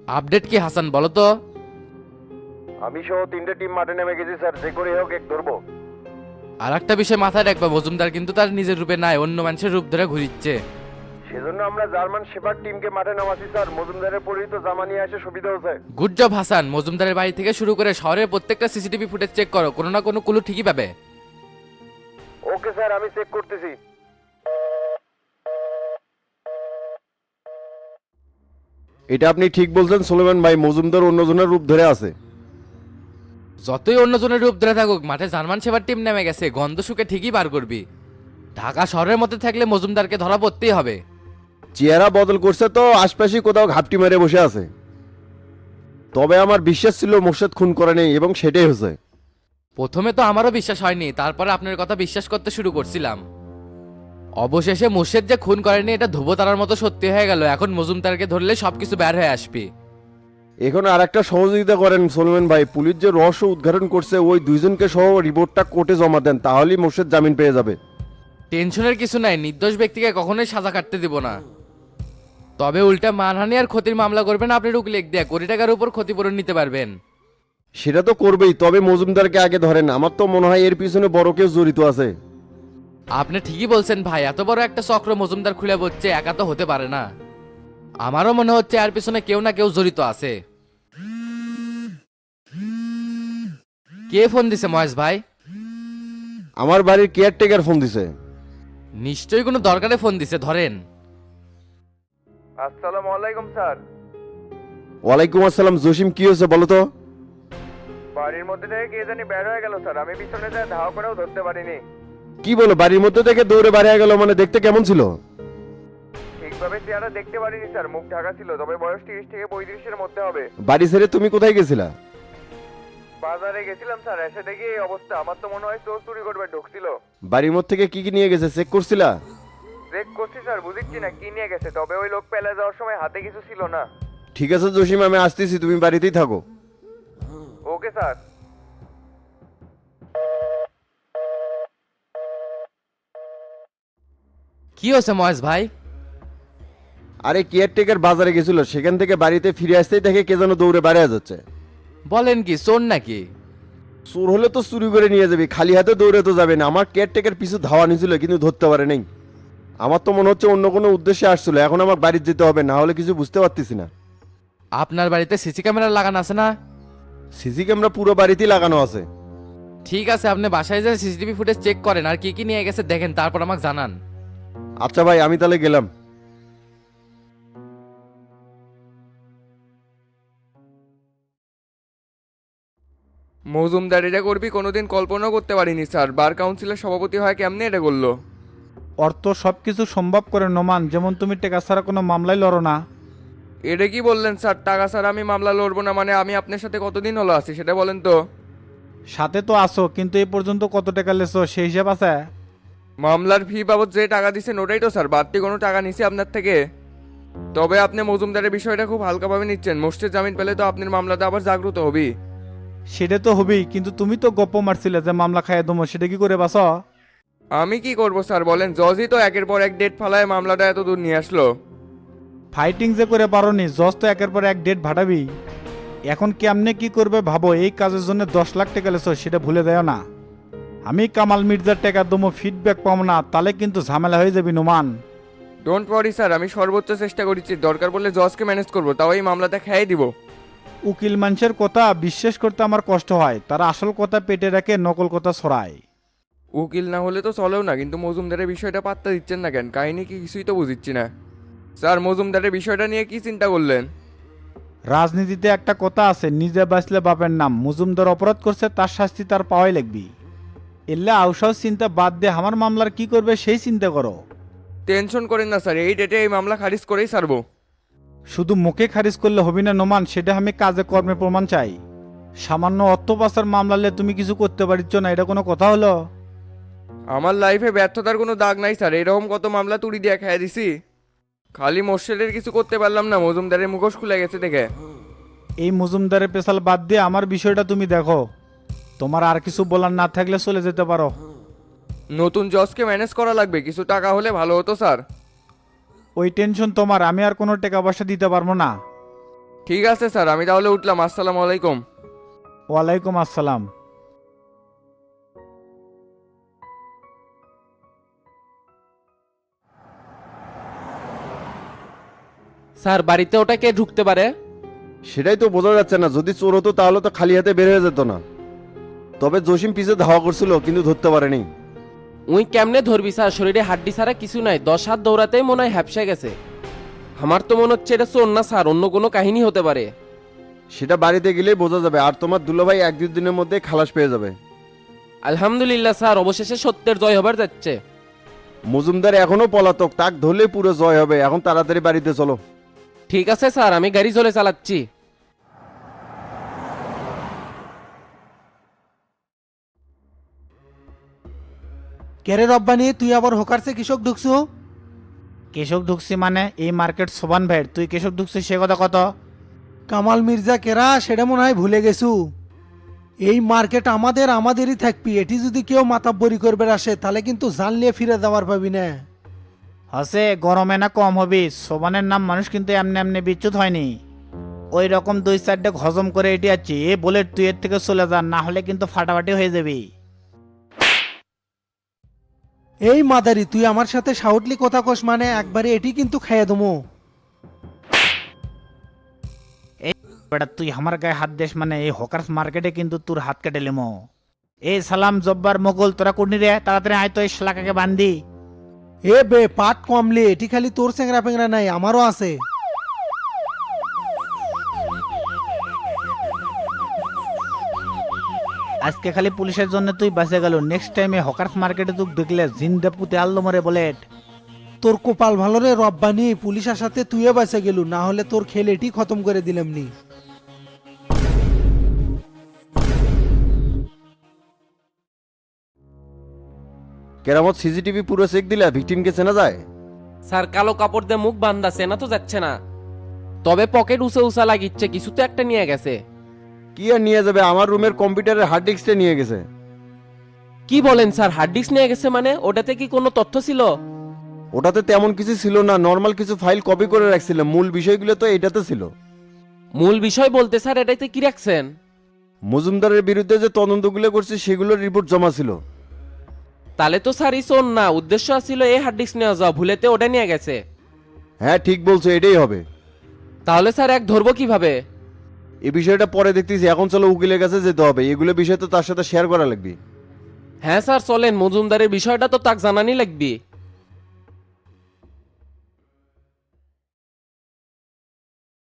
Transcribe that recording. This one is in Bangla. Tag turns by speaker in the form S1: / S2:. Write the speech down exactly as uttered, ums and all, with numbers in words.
S1: আপডেট কি হাসান বলো তো?
S2: আমি সহ তিনটে টিম মাঠে নেমে গেছি স্যার, যে করে হোক এক ধরবো।
S1: আর একটা বিষয় মাথায় রাখবা, মজুমদার কিন্তু তার নিজের রূপে নাই, অন্য মানুষের রূপ ধরে ঘুরিচ্ছে।
S2: সেজন্য আমরা জার্মান শেপার্ড টিমকে মাঠে নামাচ্ছি স্যার। মজুমদারের পরিচিত জামা নিয়ে আসে, সুবিধা হচ্ছে।
S1: Good job Hasan. মজুমদারের বাড়ি থেকে শুরু করে শহরের প্রত্যেকটা সিসিটিভি ফুটেজ চেক করো, কোনো না কোনো ক্লু ঠিকই পাবে।
S2: ওকে স্যার, আমি চেক করতেছি। এটা আপনি ঠিক বলছেন সুলেমান ভাই, মজুমদার অন্যজনের রূপ ধরে আছে।
S1: যতই অন্যজনের রূপ ধরে থাকুক, মাঠে জার্মান সেবার টিম নেমে গেছে, গন্ধ শুকে ঠিকই বার করবি। ঢাকা শহরের মধ্যে থাকলে মজুমদারকে ধরা পড়তেই হবে।
S2: চেহারা বদল করছে তো আশপাশে কোথাও ঘাপটি মেরে বসে আছে। তবে আমার বিশ্বাস ছিল মোর্শেদ খুন করে নেই, এবং সেটাই হয়েছে।
S1: প্রথমে তো আমারও বিশ্বাস হয়নি, তারপরে আপনার কথা বিশ্বাস করতে শুরু করছিলাম। অবশেষে মুর্শেদ যে খুন করেনি এটা ধ্রুবতারার মতো সত্যি হয়ে গেল। এখন মজুমদারকে ধরলে সবকিছু বের হয়ে আসবে।
S2: এখন আর একটা সহযোগিতা করেন সুলেমান ভাই, পুলিশ যে রহস্য উদ্ঘাটন করছে ওই দুইজনকে সহ রিপোর্টটা কোর্টে জমা দেন, তাহলেই মোর্শেদ জামিন পেয়ে যাবে।
S1: টেনশনের কিছু নাই, নির্দোষ ব্যক্তিকে কখনোই সাজা কাটতে দিব না। তবে উল্টা মানহানি আর ক্ষতির মামলা করবেন আপনি উকিল দিয়ে, কোটি টাকার উপর ক্ষতিপূরণ নিতে পারবেন।
S2: সেটা তো করবেই, তবে মজুমদারকে আগে ধরেন। আমার তো মনে হয় এর পিছনে বড় কেউ জড়িত আছে।
S1: আপনি ঠিকই বলছেন ভাই, এত বড় একটা চক্র মজুমদার খুলে বসছে, একা তো হতে পারে না। আমারও মনে হচ্ছে এর পিছনে কেউ না কেউ জড়িত আছে। কে ফোন দিছে মহেশ ভাই?
S2: আমার বাড়ির কেয়ারটেকার ফোন দিছে।
S1: নিশ্চয়ই কোনো দরকারে ফোন দিছে, ধরেন।
S2: আসসালামু আলাইকুম স্যার। ওয়ালাইকুম আসসালাম। জসিম, কি হয়েছে বলো তো? বাড়ির মধ্যে থেকে কে জানি বের হয়ে গেল স্যার, আমি পিছনে যা ধাওয়া করেও ধরতে পারিনি। কি বলো, বাড়ির মধ্যে থেকে দৌড়ে বাইরে হয়ে গেল? মানে দেখতে কেমন ছিল? ঠিকভাবে চেহারা দেখতে পারিনি স্যার, মুখ ঢাকা ছিল, তবে বয়স তিরিশ থেকে পঁয়ত্রিশের মধ্যে হবে। বাড়ি ছেড়ে তুমি কোথায় গেছিলা? বাজারে গেছিলাম স্যার, এসে দেখি এই অবস্থা। আমার তো মনে হয় চোর চুরি করবে ঢুকছিল। বাড়ির মধ্যে থেকে কি কি নিয়ে গেছে চেক করছিলা? চেক করছি স্যার, বুঝিচ্ছি না কি নিয়ে গেছে, তবে ওই লোক পেলে যাওয়ার সময় হাতে কিছু ছিল না। ঠিক আছে জসিম, আমি আসতেছি, তুমি বাড়িতেই থাকো। Okay sir.
S1: কি হয়েছে মহেশ ভাই?
S2: আরে কেয়ারটেকার বাজারে গেছিল, সেখান থেকে বাড়িতে ফিরে আসতেই দেখে কে যেন দৌড়ে বাইরে যাচ্ছে।
S1: বলেন কি, চোর নাকি?
S2: চোর হলে তো চুরি করে নিয়ে যাবে, খালি হাতে দৌড়ে তো যাবে না। আমার কেয়ারটেকার পিছু ধাওয়া নিয়েছিল, কিন্তু ধরতে পারে নাই। আমার তো মনে হচ্ছে অন্য কোনো উদ্দেশ্যে আসছিল। এখন আমার বাড়িতে যেতে হবে, না হলে কিছু বুঝতে পারতেছি না।
S1: আপনার বাড়িতে সিসি ক্যামেরা লাগানো আছে না?
S2: সিসি ক্যামেরা পুরো বাড়িতেই লাগানো আছে।
S1: ঠিক আছে, আপনি বাসায় যে সিসিটিভি ফুটেজ চেক করেন, আর কি কি নিয়ে গেছে দেখেন, তারপর আমাকে জানান।
S2: আচ্ছা ভাই, আমি তাহলে গেলাম।
S3: মজুমদার এটা করবি কোনোদিন কল্পনাও করতে পারিনি স্যার। বার কাউন্সিলের সভাপতি হয় কেমনে এটা করলো?
S4: অর্থ সব কিছু সম্ভব করে নোমান, যেমন তুমি টেকা ছাড়া কোনো মামলাই লড়ো না।
S3: এটা কি বললেন স্যার? টাকা স্যার আমি মামলা লড়বো না মানে? আমি আপনার সাথে কতদিন হলো আছি সেটা বলেন তো।
S4: সাথে তো আসো, কিন্তু এই পর্যন্ত কত টাকা লেছো সেই হিসাব আছে?
S3: মামলার ফি বাবদ যে টাকা দিচ্ছেন ওটাই তো স্যার, বাড়তি কোনো টাকা নিছি আপনার থেকে? তবে আপনি মজুমদারের বিষয়টা খুব হালকাভাবে নিচ্ছেন। মোর্শেদ জামিন পেলে তো আপনার মামলাতে আবার জাগ্রত হবি।
S4: সেটা তো হবেই, কিন্তু তুমি তো গপ্প মারছিলে যে মামলা খাইয়ে দমো, সেটা কি করে বাস?
S3: আমি কি করব স্যার বলেন? জজই তো একের পর এক ডেট ফালায় মামলাটা এত দূর নিয়ে আসলো।
S4: ফাইটিং যে করে পারোনি, জজ তো একের পর এক ডেট ভাটাবি। এখন কেমনে কি করবে ভাবো, এই কাজের জন্য দশ লাখ টাকা লেছো সেটা ভুলে দেও না। আমি কামাল মির্জার টাকা দমো, ফিডব্যাক পাবো না, তাহলে কিন্তু ঝামেলা হয়ে যাবি নোমান।
S3: ডোন্ট ওয়ারি স্যার, আমি সর্বোচ্চ চেষ্টা করেছি। দরকার পড়লে জজকে ম্যানেজ করবো, তাও এই মামলাটা খেয়ে দিব।
S4: উকিল মানুষের কথা বিশ্বাস করতে আমার কষ্ট হয়, তারা আসল কথা পেটে রাখে, নকল কথা ছড়ায়।
S3: উকিল না হলে তো চলেও না, কিন্তু মজুমদারের বিষয়টা পাত্তা দিচ্ছেন না কেন? কাহিনী কি কিছুই তো বুঝিচ্ছি না স্যার। মজুমদারের বিষয়টা নিয়ে কি চিন্তা করলেন?
S4: রাজনীতিতে একটা কথা আছে, নিজে বাঁচলে বাপের নাম। মজুমদার অপরাধ করছে, তার শাস্তি তার পাওয়াই লাগবি। এলে আউসাও চিন্তা বাদ দিয়ে আমার মামলার কি করবে সেই চিন্তা করো।
S3: টেনশন করেন না স্যার, এই ডেটে এই মামলা খারিজ করেই ছাড়বো।
S4: শুধু মুখে খারিজ করলে হবি না নোমান, সেটা আমি কাজে কর্মে প্রমাণ চাই। সামান্য অর্থ পাচার মামলালে তুমি কিছু করতে পারিচ্ছ না, এটা কোনো কথা হলো?
S3: আমার লাইফে ব্যর্থতার কোনো দাগ নাই স্যার, এরকম কত মামলা তুড়ি দিয়ে খেয়ে দিছি। খালি মোর্শেদের কিছু করতে পারলাম না, মজুমদারের মুখোশ খুলে গেছে দেখে।
S4: এই মজুমদারের পেশাল বাদ দিয়ে আমার বিষয়টা তুমি দেখো। তোমার আর কিছু বলার না থাকলে চলে যেতে পারো।
S3: নতুন জজকে ম্যানেজ করা লাগবে, কিছু টাকা হলে ভালো হতো স্যার।
S4: ওই টেনশন তোমার, আমি আর কোনো টাকা পয়সা দিতে পারবো না।
S3: ঠিক আছে স্যার, আমি তাহলে উঠলাম। আসসালামু আলাইকুম।
S4: ওয়ালাইকুম আসসালাম।
S5: স্যার বাড়িতে ওটা কে ঢুকতে পারে?
S2: সেটাই তো বোঝা যাচ্ছে না, যদি চোর হতো তাহলে তো খালি হাতে বের হয়ে যেত না। তবে জসিম পিছে ধাওয়া করছিল কিন্তু ধরতে পারেনি।
S5: উই কেমনে ধরবি স্যার, শরীরে হাড্ডি ছাড়া কিছু নাই, দশ হাত দৌড়াতেই মনে হয় হ্যাপসা গেছে। আমার তো মনে হচ্ছে এটা চোর না স্যার, অন্য কোনো কাহিনী হতে পারে।
S2: সেটা বাড়িতে গেলেই বোঝা যাবে, আর তোমার দুলাভাই এক দুই দিনের মধ্যে খালাস পেয়ে যাবে।
S5: আলহামদুলিল্লাহ স্যার, অবশেষে সত্যের জয় হবার যাচ্ছে।
S2: মজুমদার এখনো পলাতক, তাক ধরলে পুরো জয় হবে। এখন তাড়াতাড়ি বাড়িতে চলো।
S5: ঠিক আছে স্যার, আমি গাড়ি চলে চালাচ্ছি।
S6: কেরে রব্বানি, তুই আবার হোকারসে কৃষক ঢুকছু?
S4: কেশব ঢুকছি মানে এই মার্কেট সোবান ভাইয়ের, তুই কেশব ঢুকছিস সে কথা কত?
S6: কামাল মির্জা কেরা সেটা মনে হয় ভুলে গেছু। এই মার্কেট আমাদের, আমাদেরই থাকবি। এটি যদি কেউ মাতাব্বরি করবে আসে তাহলে কিন্তু জানলিয়ে ফিরে যাওয়ার পাবি না।
S4: হসে গরমে না কম হবি, সোবানের নাম মানুষ কিন্তু এমনি এমনি বিচ্যুত হয়নি। ওই রকম দুই চারটে হজম করে এটি আছি, এ বলে তুই এর থেকে চলে যা, না হলে কিন্তু ফাটাফাটি হয়ে যাবি।
S6: এই মাদারি, তুই আমার সাথে সাউটলি কথা কস মানে একবারে এটি কিন্তু খাইয়ে দমো।
S4: বেটা তুই আমার গায়ে হাত দেশ মানে এই হকার্স মার্কেটে কিন্তু তোর হাত কেটে লিমো। এই সালাম জব্বার মোগল, তোরা কুর্নি রে, তাড়াতাড়ি আয় তো এই শালাকাকে বান্ধি।
S6: এ বে পাট কমলে, এটি খালি তোর চেংরা পেংরা নাই, আমারও আছে।
S4: আজকে খালি পুলিশের জন্য তুই বাঁচে গেল, নেক্সট টাইমে হকার্স মার্কেটে তুই দেখলে জিন্দা পুঁতে আল্লো মরে বলেট।
S6: তোর কপাল ভালো রে রব্বানি, পুলিশ আসাতে তুইও বাঁচে গেলু, না হলে তোর খেল এটি খতম করে দিলাম নি।
S2: কেরামত সিসিটিভি পুরো চেক দিলা, ভিকটিমকে চেনা যায়?
S5: স্যার কালো কাপড় দিয়ে মুখ বান্ধা, চেনা তো যাচ্ছে না। তবে পকেট উঁচা উঁচা লাগিচ্ছে, কিছু তো একটা নিয়ে গেছে।
S2: কি আর নিয়ে যাবে, আমার রুমের কম্পিউটারের হার্ড ডিস্কটা নিয়ে গেছে।
S5: কি বলেন স্যার, হার্ড ডিস্ক নিয়ে গেছে মানে? ওটাতে কি কোনো তথ্য ছিল?
S2: ওটাতে তেমন কিছু ছিল না, নর্মাল কিছু ফাইল কপি করে রাখছিলাম, মূল বিষয়গুলো তো এটাতে ছিল।
S5: মূল বিষয় বলতে স্যার এটাতে কি রাখছেন?
S2: মজুমদারের বিরুদ্ধে যে তদন্তগুলো করছে সেগুলোর রিপোর্ট জমা ছিল।
S5: তাহলে তো স্যার ই শোন না, উদ্দেশ্য ছিল এই হার্ড ডিস্ক নিয়ে যাওয়া, ভুলেতে ওটা নিয়ে গেছে।
S2: হ্যাঁ ঠিক বলছো, এটাই হবে।
S5: তাহলে স্যার এক ধরবো কিভাবে?
S2: এই বিষয়টা পরে দেখতেছি, এখন চলো উকিলের কাছে যেতে হবে, এগুলো বিষয় তো তার সাথে শেয়ার করা লাগবে।
S5: হ্যাঁ স্যার চলেন, মজুমদারের বিষয়টা তো তাক জানানি লাগবে।